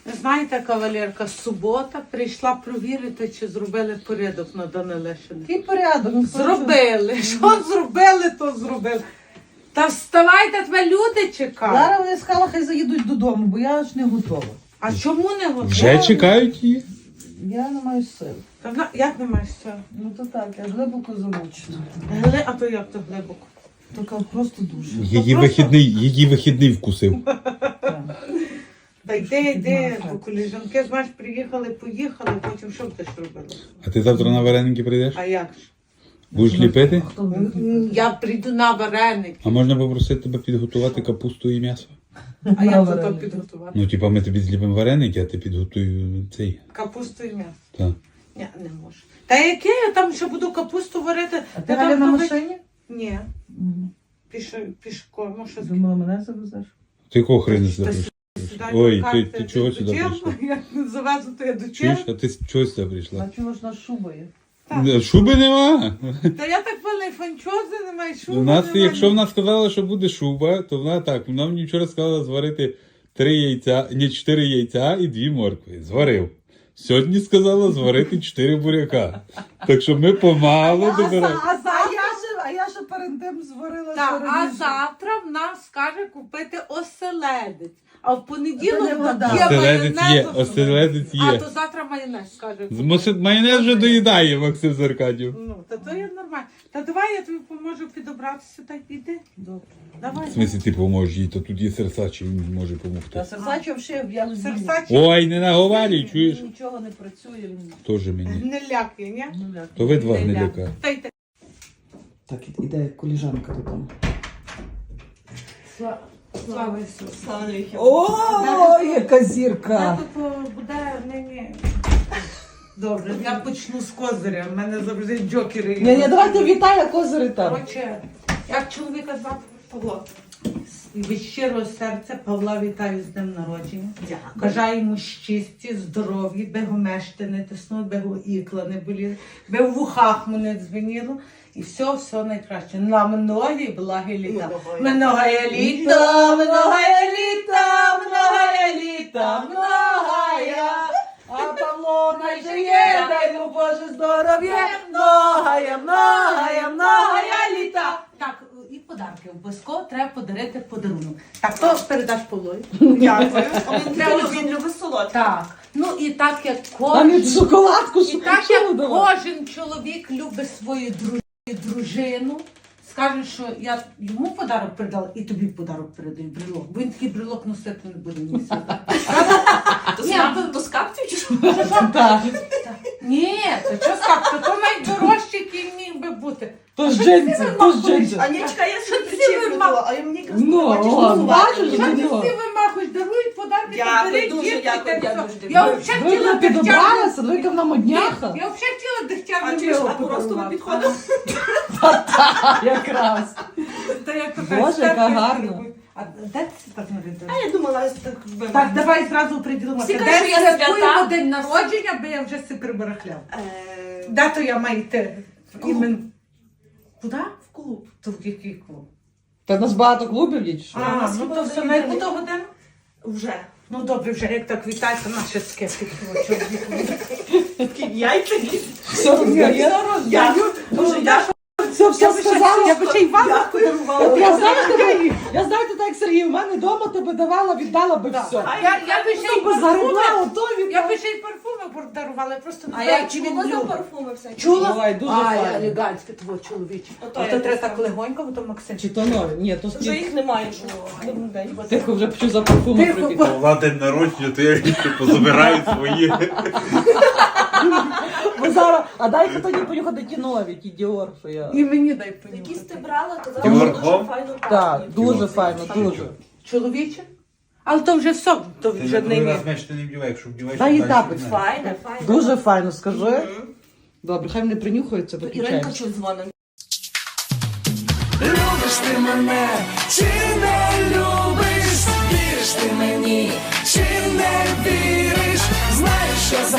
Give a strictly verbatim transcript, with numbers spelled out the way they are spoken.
Знаєте, кавалерка, субота прийшла провірити, чи зробили порядок на Данилишині. Який порядок? Ну, Зробили. Що зробили, то зробили. Та вставайте, тебе люди чекають. Зараз вони сказали, хай заїдуть додому, бо я ж не готова. А чому не готові? Вже чекають її? Я не маю сил. Та вона- як не маєш цього? Ну то так, я глибоко замучена. Гли, а то як то глибоко? Така просто дуже. Її просто- вихідний, її вихідний вкусив. Так. Та йди, йди, Ага. бо коліжанки, знаєш, приїхали, поїхали, потім що б ти ж робила? А ти завтра на вареники прийдеш? А як ж? Будеш ліпити? Хто буде? М, Я прийду на вареник. А можна попросити тебе підготувати капусту і м'ясо? А як На то то вареники. підготувати? Ну, типа, ми тобі зліпимо вареники, а ти підготуй цей. Капусту і м'ясо. Так. Ні, не можу. Та яке я там ще буду капусту варити? А ти Я Галя там на думаю- машині? Ні, Мгм. піш, пішком. Ну, що Думала, мене завезеш? Ти якого хрена Та сюди прийшла? сюди Ой, до ти- карти ти чого до сюди Чех, прийшла? Як не завезу, то я до Чуєш? Чех. А ти чого сюди прийшла? А чого ж на шуба є? Так. Шуби нема. Та я так певний фанчози немає, шуби У нас, немає. якщо вона сказала, що буде шуба, то вона так. Вона мені вчора сказала зварити три яйця, ні, чотири яйця і дві моркви. Зварив. Сьогодні сказала зварити чотири буряка. Так що ми помалу А, за- добираємо. а, за- а я ще, а я ще перед тим зварила Так, а сироїжу. завтра в нас скаже купити оселедець. А в понеділок Це не вода. є Оселедець є, майонез. оселедець А є. то завтра майонез скаже. З моси- Майонез вже доїдає Максим Заркадів. Ну, та то є нормально. Та давай я тобі поможу підобратися, так іди. Добре. Давай. В смислі ти поможеш їй, то тут є серсачі, він може Та допомогти. серсачо взагалі я Серсачі Ой, не наговарюй, чуєш? Нічого не працює. Він... Тоже мені. не лякає, ні? Ну, як. То ви два Не гниляка. лякає. Та й те. Так, іде коліжанка додому. Слава Слава Ісусу. Слава навіки. О, яка Та зірка! тут о, буде нині. Добре, я почну з козиря. У мене завжди джокери. Ні, ні, давайте Віталя козири там. Коротше, як чоловіка звати Павло. Від щирого серця Павла вітаю з днем народження. Дякую. Бажаю йому щасті, здоров'я, би го мешти не тиснули, би го ікла не боліли, би в вухах му не дзвеніло. І все, все найкраще. На многі благі літа. Многое літа, многое літа, многое літа, многое. А Павло найжиє, дай йому Боже здоров'я. Многое, многое, многое літа. Так, і подарки. Обов'язково треба подарити подарунок. Так, то передаш Павлові. Дякую. Він Треба любить, він любить солодке. Так. Ну і так як Там кожен, і шоколадку, і що так хотіли як давати. кожен чоловік любить свою дру- дружину, скаже, що я йому подарок передала, і тобі подарок передаю брелок. Бо він такий брелок носити не буде ні свята. То Ні, з кап- то- То з капців чи що? Так. Ні, то що сказати, то найдорожчий, який міг би бути. То ж джинси, то ж джинси. А ні, чекай, я собі Ти причеплю вима- то, а я мені якраз Ну, хочеш о, голосувати. бачиш, Що ти ну. всі вимахуєш, дарують подарки, Дякую, то бери дуже дітки, дякую, та й дякую, все. дуже Я дякую. взагалі Ви хотіла не підобралися, дегтярну. ви на модняха. Я взагалі хотіла А дегтярну чи ж, а вилку просто ви подарувати. підходили? Якраз. Та я така, Боже, «Стефа, яка я гарна». люблю». А де це так нарядила? А я думала, ось так би. Так, давай зразу приділимо. Всі Де кажуть, що я святкуємо свята. день народження, бо я вже си прибарахляв. Е, Де то я маю йти? клуб. Імен... Куди? В клуб. То в який клуб? Та в нас багато клубів є, чи що? А, нас ну хіба то один все, на яку день? то годину? Вже. Ну добре, вже як так вітається, наше скептики. Такі яйця є. Все роздає. Дякую. Дуже дякую. Все, все сказала. Я би ще й вам Дякую. От я знаю тебе, я знаю тебе так, Сергій, у мене вдома тебе давала, віддала би все. Я, я би ще й Тобто заробила, парфуми, ото я віддала. би ще й парфуми подарувала, я просто не А знаю, я чи він чула за любить. парфуми всякі. Чула? Ой, дуже а, файно. елегантське твого чоловіче. Ото Ото я треба так так легонько, бо то Максим. Чи то нові? Ні, то Вже стільки. їх немає. що. Добрий день. Тихо, вже почу за парфуми Тихо, прибігти. Павла день народження, то я ще позабираю свої. Ви зараз, а дай тоді поїхати ті нові, ті Діор, що я. І мені дай Якісь ти понюхати. брала, казала, Ти що горком? дуже файно Так, пахне. дуже файно, дуже. Чоловіче? Але то вже все, то Ти вже на не другий мій. раз меч ти не вдівай, якщо вдіваєш, Дай то їй далі тапець. не знаю. Файне, файне. Дуже файно, скажи. Мгм. Добре, хай не принюхаються, Іринка виключаємо. чуть дзвонить. Любиш ти мене, чи не любиш, віриш ти мені, чи не віриш, знаєш, що за